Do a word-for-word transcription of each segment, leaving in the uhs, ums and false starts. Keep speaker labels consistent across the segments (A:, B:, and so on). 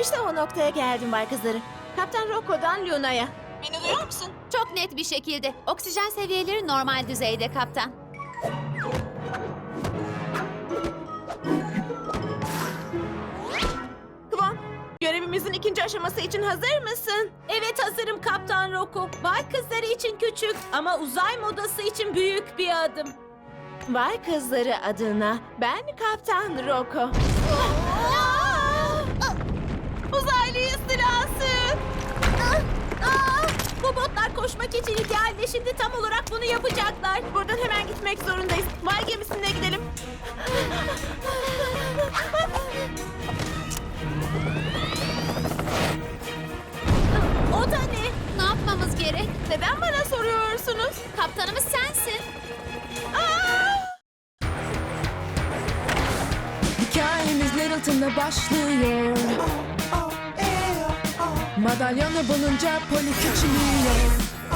A: İşte o noktaya geldim bay kızları. Kaptan Rocco'dan Luna'ya. Beni duyuyor musun?
B: Çok net bir şekilde. Oksijen seviyeleri normal düzeyde kaptan.
A: Kıvan, görevimizin ikinci aşaması için hazır mısın? Evet hazırım Kaptan Rocco. Bay kızları için küçük ama uzay modası için büyük bir adım. Bay kızları adına ben Kaptan Rocco. Uzaylı istilası! Bu botlar koşmak için ideal ve şimdi tam olarak bunu yapacaklar. Buradan hemen gitmek zorundayız. Bay gemisine gidelim. O da ne?
B: Ne yapmamız gerek?
A: Neden bana soruyorsunuz?
B: Kaptanımız sensin.
C: Hikayemiz Littleton'da başlıyor. Madalyonu bulunca Polly küçülüyor.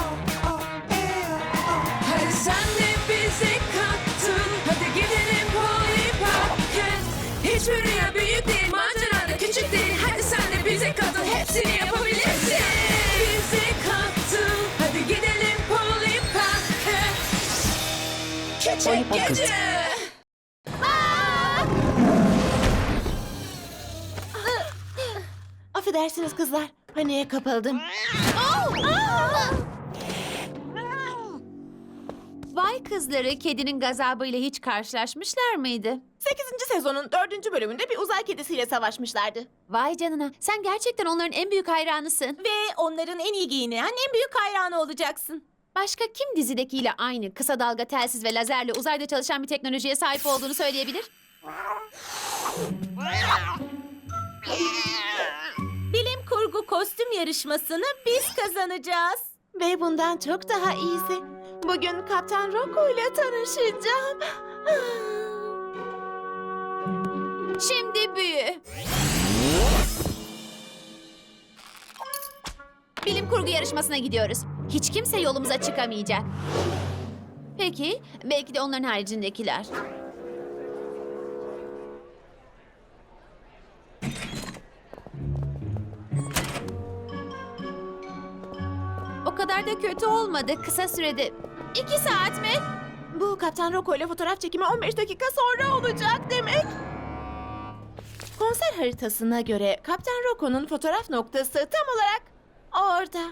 C: Hadi sen de bize kattın. Hadi gidelim Polly Park'a. Hiçbir rüya büyük değil, macera da küçük değil. Hadi sen de bize katıl, hepsini yapabilirsin. Bize kattın. Hadi gidelim Polly Park'a. Küçük gece.
A: Affedersiniz kızlar. Paniğe kapıldım.
B: Vay kızları kedinin gazabıyla hiç karşılaşmışlar mıydı?
A: sekizinci sezonun dördüncü bölümünde bir uzay kedisiyle savaşmışlardı.
B: Vay canına, sen gerçekten onların en büyük hayranısın.
A: Ve onların en iyi giyinen, en büyük hayranı olacaksın.
B: Başka kim dizidekiyle aynı kısa dalga telsiz ve lazerle uzayda çalışan bir teknolojiye sahip olduğunu söyleyebilir?
A: Bilim kurgu kostüm yarışmasını biz kazanacağız. Ve bundan çok daha iyisi. Bugün Kaptan Rocco ile tanışacağım.
B: Şimdi büyü. Bilim kurgu yarışmasına gidiyoruz. Hiç kimse yolumuza çıkamayacak. Peki, belki de onların haricindekiler. O kadar da kötü olmadı. Kısa sürede. İki saat mi?
A: Bu Kaptan Rocco ile fotoğraf çekimi on beş dakika sonra olacak demek. Konser haritasına göre Kaptan Rocco'nun fotoğraf noktası tam olarak orada.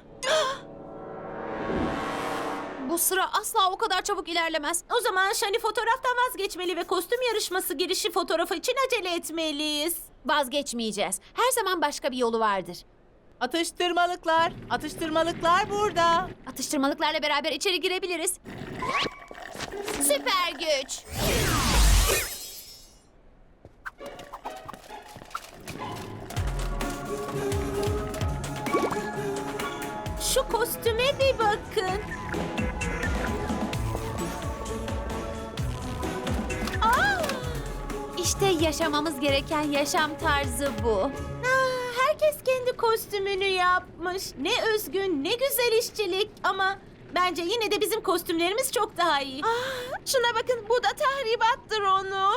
B: Bu sıra asla o kadar çabuk ilerlemez.
A: O zaman Shani fotoğraftan vazgeçmeli ve kostüm yarışması girişi fotoğrafı için acele etmeliyiz.
B: Vazgeçmeyeceğiz. Her zaman başka bir yolu vardır.
D: Atıştırmalıklar, atıştırmalıklar burada.
B: Atıştırmalıklarla beraber içeri girebiliriz. Süper güç.
A: Şu kostüme bir bakın. Aa!
B: İşte yaşamamız gereken yaşam tarzı bu.
A: Aa, herkes kendi kostümünü yapmış. Ne özgün, ne güzel işçilik. Ama bence yine de bizim kostümlerimiz çok daha iyi. Aa, şuna bakın, bu da tahribattır onu.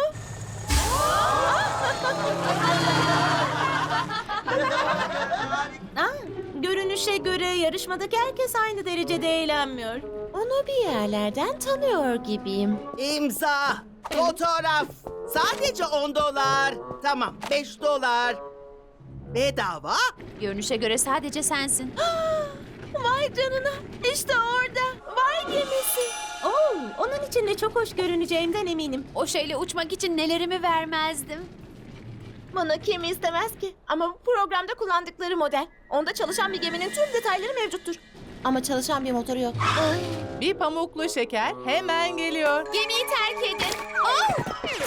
A: Aa, görünüşe göre yarışmadaki herkes aynı derecede eğlenmiyor. Onu bir yerlerden tanıyor gibiyim.
E: İmza, fotoğraf. Sadece on dolar. Tamam, beş dolar. Bedava.
B: Görünüşe göre sadece sensin.
A: Vay canına, işte orada. Vay gemisi. Oo, onun içinde çok hoş görüneceğimden eminim.
B: O şeyle uçmak için nelerimi vermezdim.
A: Bunu kim istemez ki? Ama bu programda kullandıkları model. Onda çalışan bir geminin tüm detayları mevcuttur. Ama çalışan bir motoru yok.
D: Bir pamuklu şeker hemen geliyor.
B: Gemiyi terk edin. Oh!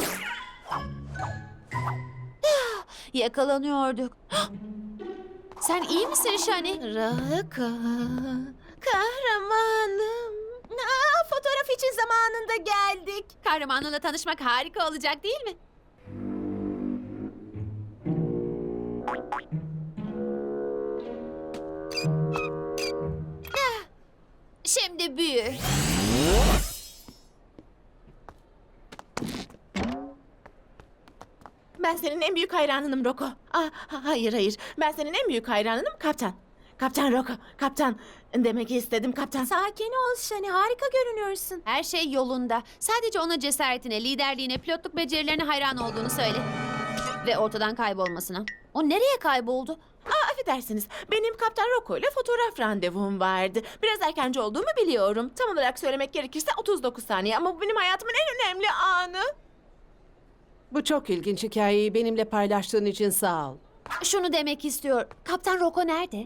B: Yakalanıyorduk. Sen iyi misin Shani?
A: Raka, kahramanım. Aa, fotoğraf için zamanında geldik.
B: Kahramanınla tanışmak harika olacak değil mi? Ah, şimdi büyü.
A: Ben senin en büyük hayranınım Roko. Ah, ha- hayır hayır. Ben senin en büyük hayranınım Kaptan. Kaptan Roko. Kaptan. Demek istedim Kaptan.
B: Sakin ol Shani, harika görünüyorsun. Her şey yolunda. Sadece ona cesaretine, liderliğine, pilotluk becerilerine hayran olduğunu söyle. Ve ortadan kaybolmasına. O nereye kayboldu?
A: Aa, affedersiniz. Benim Kaptan Roko ile fotoğraf randevum vardı. Biraz erkenci olduğumu biliyorum. Tam olarak söylemek gerekirse otuz dokuz saniye. Ama bu benim hayatımın en önemli anı.
F: Bu çok ilginç hikayeyi benimle paylaştığın için sağ ol.
B: Şunu demek istiyor. Kaptan Roko nerede?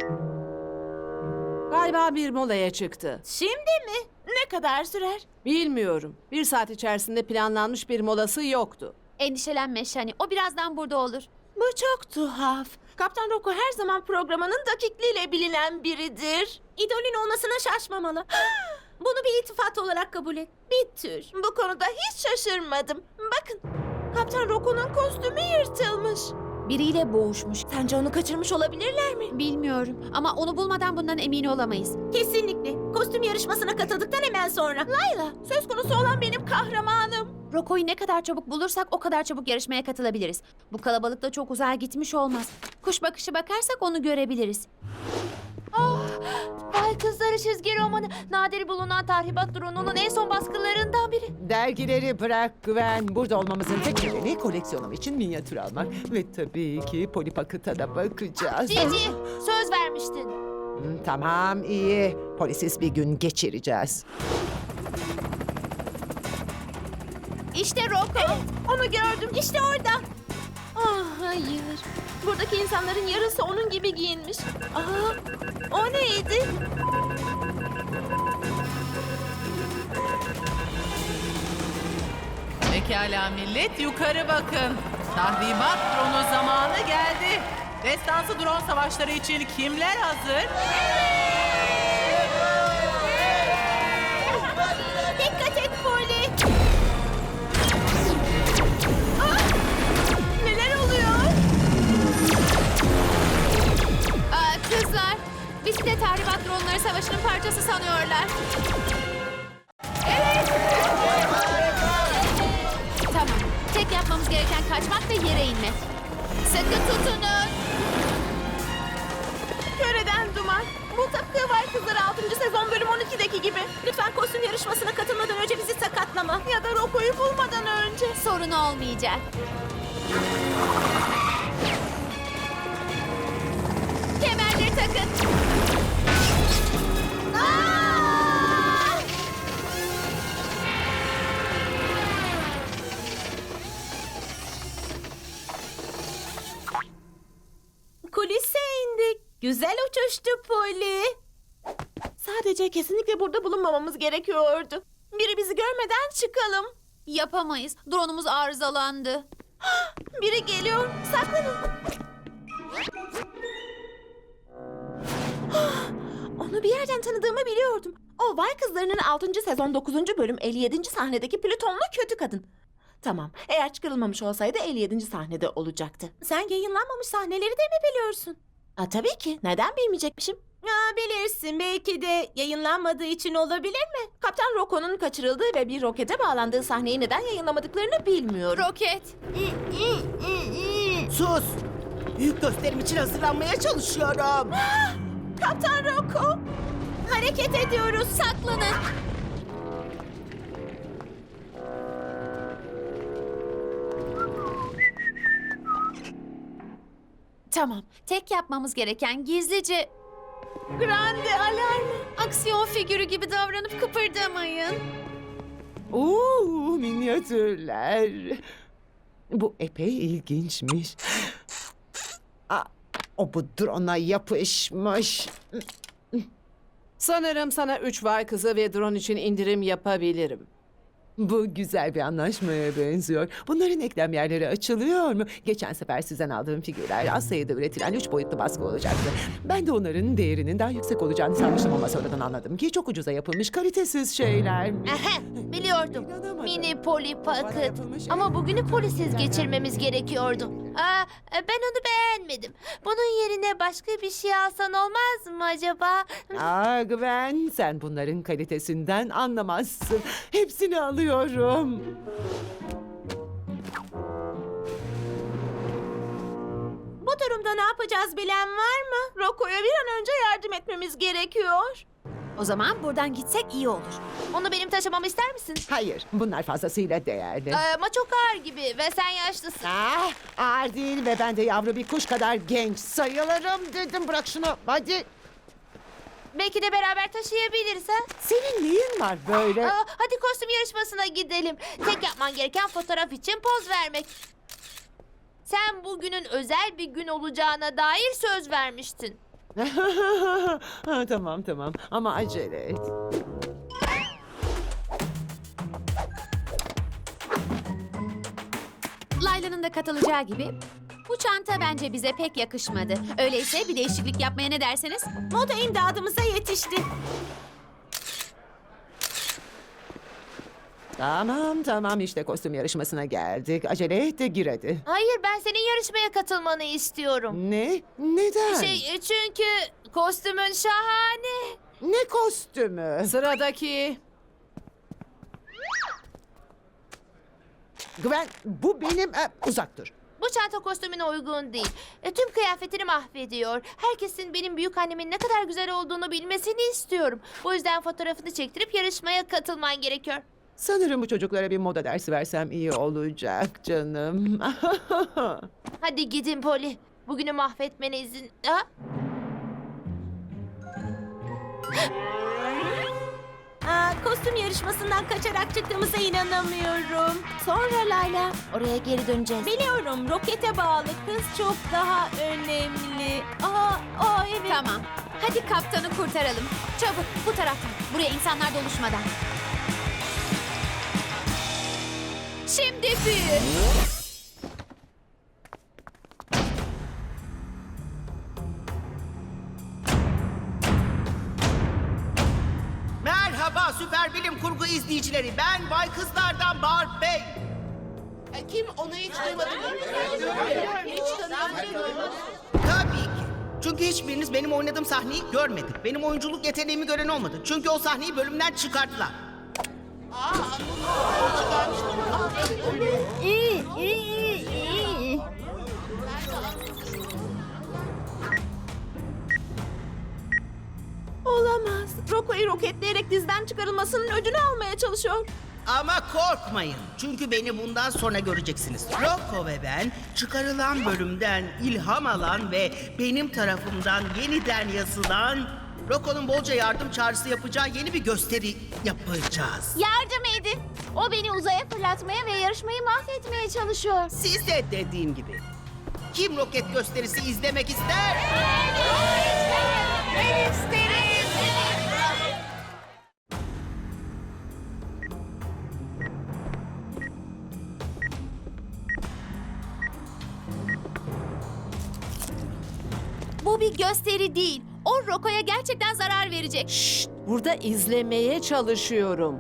F: Galiba bir molaya çıktı.
A: Şimdi mi? Ne kadar sürer?
F: Bilmiyorum. Bir saat içerisinde planlanmış bir molası yoktu.
B: Endişelenme Shani. O birazdan burada olur.
A: Bu çok tuhaf. Kaptan Roko her zaman programının dakikliğiyle bilinen biridir. İdolün olmasına şaşmamalı. Bunu bir iltifat olarak kabul et. Bir tür. Bu konuda hiç şaşırmadım. Bakın, Kaptan Roko'nun kostümü yırtılmış.
B: Biriyle boğuşmuş.
A: Sence onu kaçırmış olabilirler mi?
B: Bilmiyorum ama onu bulmadan bundan emin olamayız.
A: Kesinlikle. Kostüm yarışmasına katıldıktan hemen sonra. Layla, söz konusu olan benim kahramanım.
B: Roko'yu ne kadar çabuk bulursak o kadar çabuk yarışmaya katılabiliriz. Bu kalabalıkta çok uzağa gitmiş olmaz. Kuş bakışı bakarsak onu görebiliriz. Ah, Vay Kızları çizgi romanı. Nadir bulunan tahribat drone'unun en son baskılarından biri.
G: Dergileri bırak Güven. Burada olmamızın tek nedeni koleksiyonum için minyatür almak. Ve tabii ki Polly Pocket'a da bakacağız.
B: Cici, söz vermiştin.
G: Hmm, tamam iyi. Polisiz bir gün geçireceğiz.
B: İşte Roko.
A: Onu gördüm. İşte orada. Ah hayır. Buradaki insanların yarısı onun gibi giyinmiş. Aa, o neydi?
D: Pekala millet, yukarı bakın. Tahribat dronu zamanı geldi. Destansı drone savaşları için kimler hazır?
A: Dikkat et Polly. Ah! Neler oluyor?
B: Aa, kızlar, bizi de tahribat dronları savaşının parçası sanıyorlar. Tamam, tek yapmamız gereken kaçmak ve yere inmek. Sıkı tutunun.
A: Köreden duman. Bu tıpkı Vay Kızları altıncı sezon bölüm on ikideki gibi. Lütfen kostüm yarışmasına katılmadan önce bizi sakatlama. Ya da Roko'yu bulmadan önce.
B: Sorun olmayacak. Kemerleri takın. Aa!
A: Kulise indik. Güzel uçuştu Polly. Sadece kesinlikle burada bulunmamamız gerekiyordu. Biri bizi görmeden çıkalım.
B: Yapamayız. Drone'umuz arızalandı.
A: Biri geliyor. Saklanın. Onu bir yerden tanıdığımı biliyordum. O Vay Kızları'nın altıncı sezon dokuzuncu bölüm elli yedinci sahnedeki Plütonlu kötü kadın. Tamam, eğer çıkarılmamış olsaydı elli yedinci sahnede olacaktı. Sen yayınlanmamış sahneleri de mi biliyorsun? Aa, tabii ki. Neden bilmeyecekmişim? Aa, bilirsin. Belki de yayınlanmadığı için olabilir mi? Kaptan Roko'nun kaçırıldığı ve bir rokete bağlandığı sahneyi neden yayınlamadıklarını bilmiyorum.
B: Roket.
E: Sus! Büyük gösterim için hazırlanmaya çalışıyorum.
A: Kaptan Roko! Hareket ediyoruz.
B: Saklanın. Tamam. Tek yapmamız gereken gizlice
A: Grande alarmı.
B: aksiyon figürü gibi davranıp kıpırdamayın.
G: Oo, minyatürler. Bu epey ilginçmiş. Aa, o bu drone'a yapışmış.
F: Sanırım sana üç vay kızı ve drone için indirim yapabilirim.
G: Bu güzel bir anlaşmaya benziyor. Bunların eklem yerleri açılıyor mu? Geçen sefer sizden aldığım figürler az sayıda üretilen üç boyutlu baskı olacaktı. Ben de onların değerinin daha yüksek olacağını sanmıştım ama sonradan anladım ki çok ucuza yapılmış kalitesiz şeyler.
H: Biliyordum.
G: İnanamadım.
H: Mini Polly
G: Bana
H: Pocket.
G: yapılmış en
H: Ama bugünü
G: büyük
H: polisiz
G: ürünlerden
H: geçirmemiz gerekiyordu. Aa, ben onu beğenmedim. Bunun yerine başka bir şey alsan olmaz mı acaba?
G: Aa Gwen, sen bunların kalitesinden anlamazsın. Hepsini alıyorum.
A: durumda ne yapacağız bilen var mı? Rocco'ya bir an önce yardım etmemiz gerekiyor.
B: O zaman buradan gitsek iyi olur.
H: Onu benim taşımamı ister misin?
G: Hayır, bunlar fazlasıyla değerli.
H: Ee, ama çok ağır gibi ve sen yaşlısın.
G: Ah, ağır değil ve ben de yavru bir kuş kadar genç sayılırım dedim. Bırak şunu, hadi.
H: Belki de beraber taşıyabiliriz ha?
G: Senin neyin var böyle?
H: Aa, hadi kostüm yarışmasına gidelim. Tek yapman gereken fotoğraf için poz vermek. Sen bugünün özel bir gün olacağına dair söz vermiştin.
G: Ha, tamam tamam ama acele et.
B: Layla'nın da katılacağı gibi bu çanta bence bize pek yakışmadı. Öyleyse bir değişiklik yapmaya ne dersiniz?
A: Moda imdadımıza yetişti.
G: Tamam tamam işte kostüm yarışmasına geldik. Acele et de gir hadi.
H: Hayır, ben senin yarışmaya katılmanı istiyorum.
G: Ne? Neden?
H: Şey, e, çünkü kostümün şahane.
G: Ne kostümü?
F: Sıradaki.
G: Gwen bu benim... e, uzak dur.
H: Bu çanta kostümüne uygun değil. E, tüm kıyafetini mahvediyor. Herkesin benim büyük annemin ne kadar güzel olduğunu bilmesini istiyorum. Bu yüzden fotoğrafını çektirip yarışmaya katılman gerekiyor.
G: Sanırım bu çocuklara bir moda dersi versem iyi olacak canım.
H: Hadi gidin Polly. Bugünü mahvetmene izin... Ha?
A: Aa, kostüm yarışmasından kaçarak çıktığımıza inanamıyorum. Sonra Layla.
H: Oraya geri döneceğiz.
A: Biliyorum, rokete bağlı kız çok daha önemli. Aa, aa evet.
B: Tamam. Hadi kaptanı kurtaralım. Çabuk bu taraftan. Buraya insanlar doluşmadan. Şimdi büyü.
E: Merhaba süper bilim kurgu izleyicileri. Ben Bay Kızlar'dan Bart Bey.
F: Kim onu hiç duymadı mı? Hiç tanımadım.
E: Tabii ki. Çünkü hiçbiriniz benim oynadığım sahneyi görmedi. Benim oyunculuk yeteneğimi gören olmadı. Çünkü o sahneyi bölümden çıkarttılar.
H: İyi, iyi, iyi.
A: Olamaz. Rocco'yu roketleyerek dizden çıkarılmasının ödünü almaya çalışıyor.
E: Ama korkmayın. Çünkü beni bundan sonra göreceksiniz. Rocco ve ben çıkarılan bölümden ilham alan ve benim tarafımdan yeniden yazılan Rocco'nun bolca yardım çağrısı yapacağı yeni bir gösteri yapacağız.
H: Yardım edin. O beni uzaya fırlatmaya ve yarışmayı mahvetmeye çalışıyor.
E: Siz de dediğim gibi. Kim roket gösterisi izlemek ister?
H: Ben isterim.
B: Bu bir gösteri değil. O Rocco'ya gerçekten zarar verecek.
F: Şşt, burada izlemeye çalışıyorum.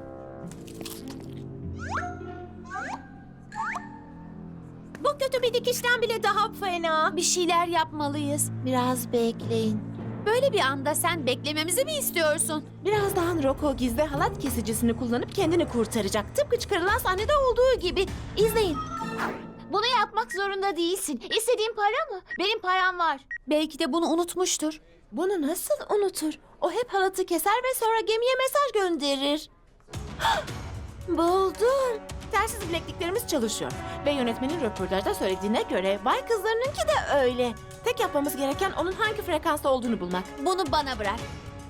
A: Bu kötü bir dikişten bile daha fena.
B: Bir şeyler yapmalıyız.
H: Biraz bekleyin.
B: Böyle bir anda sen beklememizi mi istiyorsun?
A: Birazdan Rocco gizli halat kesicisini kullanıp kendini kurtaracak. Tıpkı çıkarılan sahnede olduğu gibi. İzleyin.
H: Bunu yapmak zorunda değilsin. İstediğin para mı? Benim param var.
B: Belki de bunu unutmuştur.
A: Bunu nasıl unutur? O hep halatı keser ve sonra gemiye mesaj gönderir. Buldum. Telsiz bilekliklerimiz çalışıyor. Ve yönetmenin röportajda söylediğine göre Bay Kızlarınınki de öyle. Tek yapmamız gereken onun hangi frekansta olduğunu bulmak.
B: Bunu bana bırak.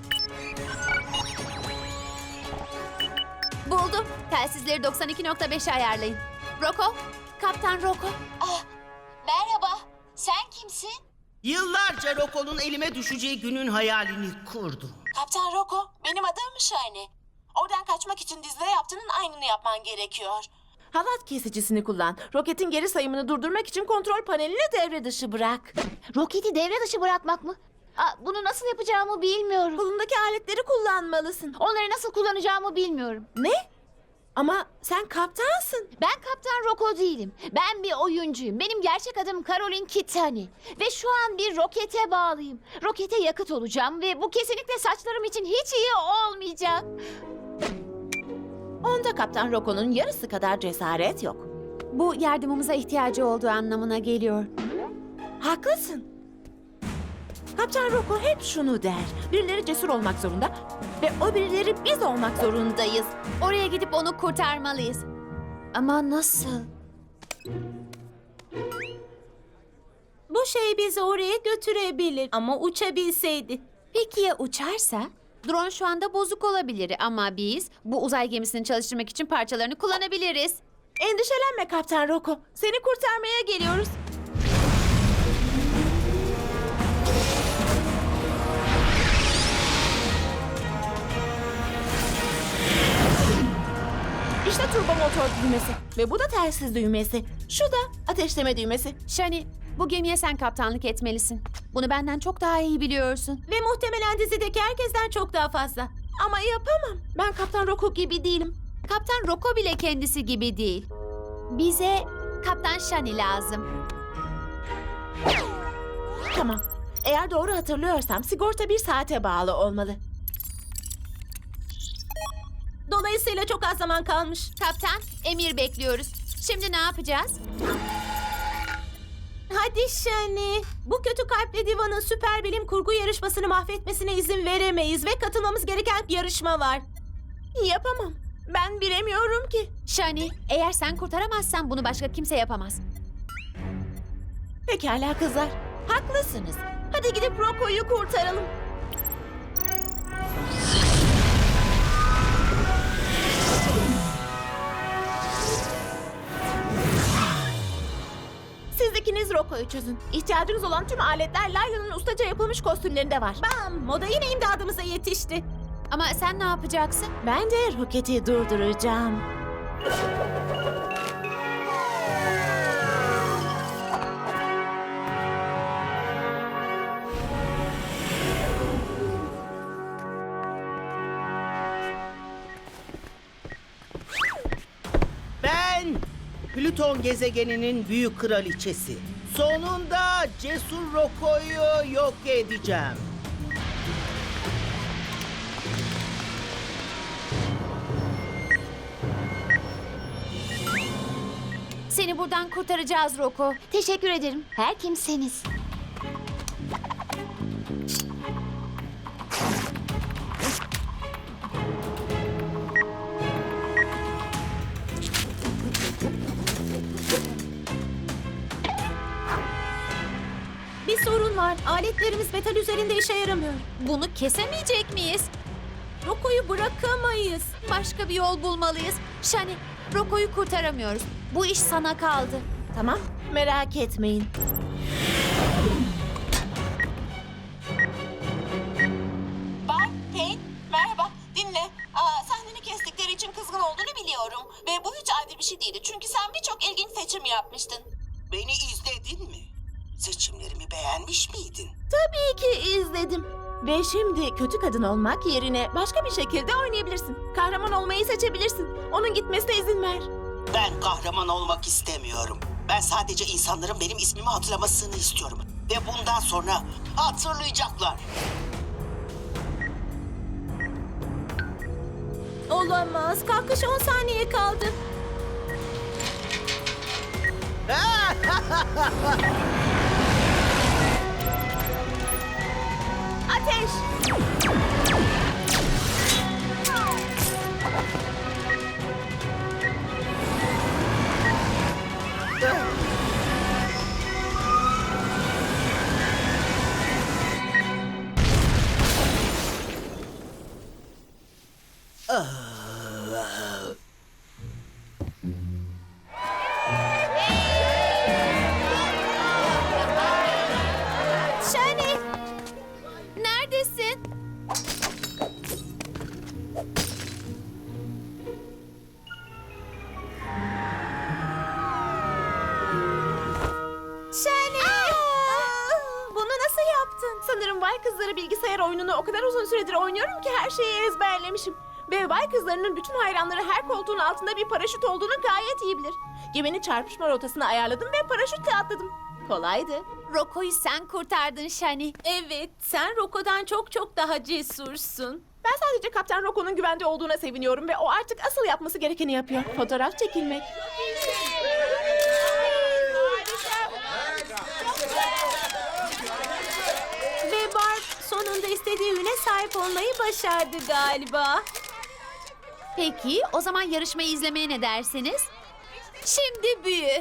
B: Buldum. Telsizleri doksan iki nokta beşe ayarlayın. Rocco, Kaptan Rocco.
H: Merhaba. Sen kimsin?
E: Yıllarca Rocco'nun elime düşeceği günün hayalini kurdum.
I: Kaptan Rocco, benim adım Shiny. Oradan kaçmak için dizide yaptığının aynını yapman gerekiyor.
A: Halat kesicisini kullan. Roketin geri sayımını durdurmak için kontrol panelini devre dışı bırak.
H: Roketi devre dışı bırakmak mı? Aa, bunu nasıl yapacağımı bilmiyorum.
A: Kolundaki aletleri kullanmalısın.
H: Onları nasıl kullanacağımı bilmiyorum.
A: Ne? Ama sen kaptansın.
H: Ben Kaptan Rocco değilim. Ben bir oyuncuyum. Benim gerçek adım Caroline Kitani. Ve şu an bir rokete bağlıyım. Rokete yakıt olacağım ve bu kesinlikle saçlarım için hiç iyi olmayacak.
A: Onda Kaptan Rocco'nun yarısı kadar cesaret yok.
B: Bu yardımımıza ihtiyacı olduğu anlamına geliyor.
A: Haklısın. Kaptan Roko hep şunu der. Birileri cesur olmak zorunda ve o birileri biz olmak zorundayız.
B: Oraya gidip onu kurtarmalıyız. Ama nasıl?
A: Bu şey bizi oraya götürebilir ama uçabilseydi.
B: Peki ya uçarsa? Drone şu anda bozuk olabilir ama biz bu uzay gemisini çalıştırmak için parçalarını kullanabiliriz.
A: Endişelenme Kaptan Roko. Seni kurtarmaya geliyoruz. İşte turbo motor düğmesi ve bu da telsiz düğmesi. Şu da ateşleme düğmesi.
B: Shani, bu gemiye sen kaptanlık etmelisin. Bunu benden çok daha iyi biliyorsun.
A: Ve muhtemelen dizideki herkesten çok daha fazla. Ama yapamam. Ben Kaptan Roko gibi değilim.
B: Kaptan Roko bile kendisi gibi değil. Bize Kaptan Shani lazım.
A: Tamam. Eğer doğru hatırlıyorsam sigorta bir saate bağlı olmalı. Dolayısıyla çok az zaman kalmış.
B: Kaptan, emir bekliyoruz. Şimdi ne yapacağız?
A: Hadi Shani. Bu kötü kalpli divanın süper bilim kurgu yarışmasını mahvetmesine izin veremeyiz ve katılmamız gereken yarışma var. Yapamam. Ben bilemiyorum ki.
B: Shani, eğer sen kurtaramazsan bunu başka kimse yapamaz.
A: Pekala kızlar. Haklısınız. Hadi gidip Roko'yu kurtaralım. Siz ikiniz Roko'yu çözün. İhtiyacınız olan tüm aletler Layla'nın ustaca yapılmış kostümlerinde var. Bam! Moda yine imdadımıza yetişti.
B: Ama sen ne yapacaksın?
A: Ben de roketi durduracağım.
E: Ben Plüton gezegeninin büyük kraliçesi. Sonunda Cesur Roko'yu yok edeceğim.
B: Seni buradan kurtaracağız Roko.
H: Teşekkür ederim. Her kimseniz.
A: Bir sorun var. Aletlerimiz metal üzerinde işe yaramıyor.
B: Bunu kesemeyecek miyiz?
A: Roko'yu bırakamayız.
B: Başka bir yol bulmalıyız. Shani, Roko'yu kurtaramıyoruz. Bu iş sana kaldı.
A: Tamam, merak etmeyin.
I: Bak, Kate, merhaba. Dinle. Aa, sahneni kestikleri için kızgın olduğunu biliyorum. Ve bu hiç adil bir şey değildi. Çünkü sen birçok ilginç seçim yapmıştın.
E: Beni izledin mi? Seçimlerimi beğenmiş miydin?
A: Tabii ki izledim. Ve şimdi kötü kadın olmak yerine başka bir şekilde oynayabilirsin. Kahraman olmayı seçebilirsin. Onun gitmesine izin ver.
E: Ben kahraman olmak istemiyorum. Ben sadece insanların benim ismimi hatırlamasını istiyorum. Ve bundan sonra hatırlayacaklar.
A: Olamaz. Kalkış on saniye kaldı. Ateş!
B: Shani! Neredesin?
A: Shani! Bunu nasıl yaptın? Sanırım Vay Kızları bilgisayar oyununu o kadar uzun süredir oynuyorum ki her şeyi ezberlemişim. Ve Vay Kızları'nın bütün hayranları her koltuğun altında bir paraşüt olduğunu gayet iyi bilir. Geminin çarpışma rotasını ayarladım ve paraşütle atladım. Kolaydı.
B: Roko'yu sen kurtardın Shani.
A: Evet, sen Roko'dan çok çok daha cesursun. Ben sadece Kaptan Roko'nun güvende olduğuna seviniyorum ve o artık asıl yapması gerekeni yapıyor. Fotoğraf çekilmek. istediği üne sahip olmayı başardı galiba.
B: Peki, o zaman yarışmayı izlemeye ne dersiniz? Şimdi büyü.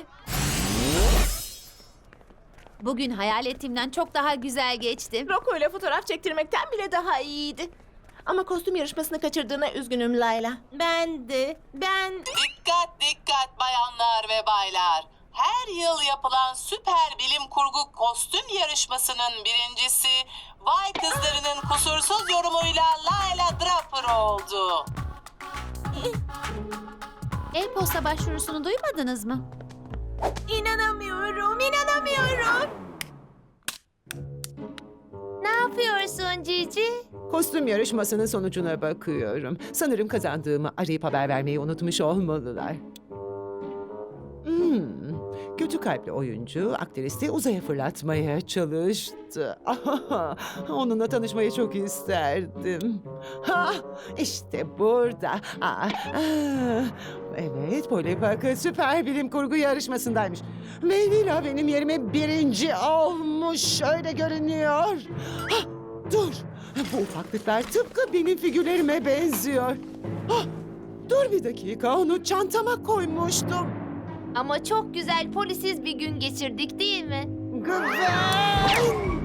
B: Bugün hayal ettiğimden çok daha güzel geçti.
A: Rocco ile fotoğraf çektirmekten bile daha iyiydi. Ama kostüm yarışmasını kaçırdığına üzgünüm Layla. Ben de. Ben...
I: Dikkat dikkat bayanlar ve baylar. Her yıl yapılan süper bilim kurgu kostüm yarışmasının birincisi Vay Kızları'nın kusursuz yorumuyla Layla Draper oldu.
B: E-posta başvurusunu duymadınız mı?
A: İnanamıyorum, inanamıyorum.
B: Ne yapıyorsun Cici?
G: Kostüm yarışmasının sonucuna bakıyorum. Sanırım kazandığımı arayıp haber vermeyi unutmuş olmalılar. Hmm, kötü kalpli oyuncu aktristi uzaya fırlatmaya çalıştı. Onunla tanışmayı çok isterdim. Ha, işte burada. Aa, aa. Evet, Polly Pocket süper bilim kurgu yarışmasındaymış. Ve Lila benim yerime birinci olmuş. Öyle görünüyor. Ha, dur. Bu ufaklıklar tıpkı benim figürlerime benziyor. Ha, dur bir dakika, onu çantama koymuştum.
B: Ama çok güzel polisiz bir gün geçirdik değil mi?
G: Güven!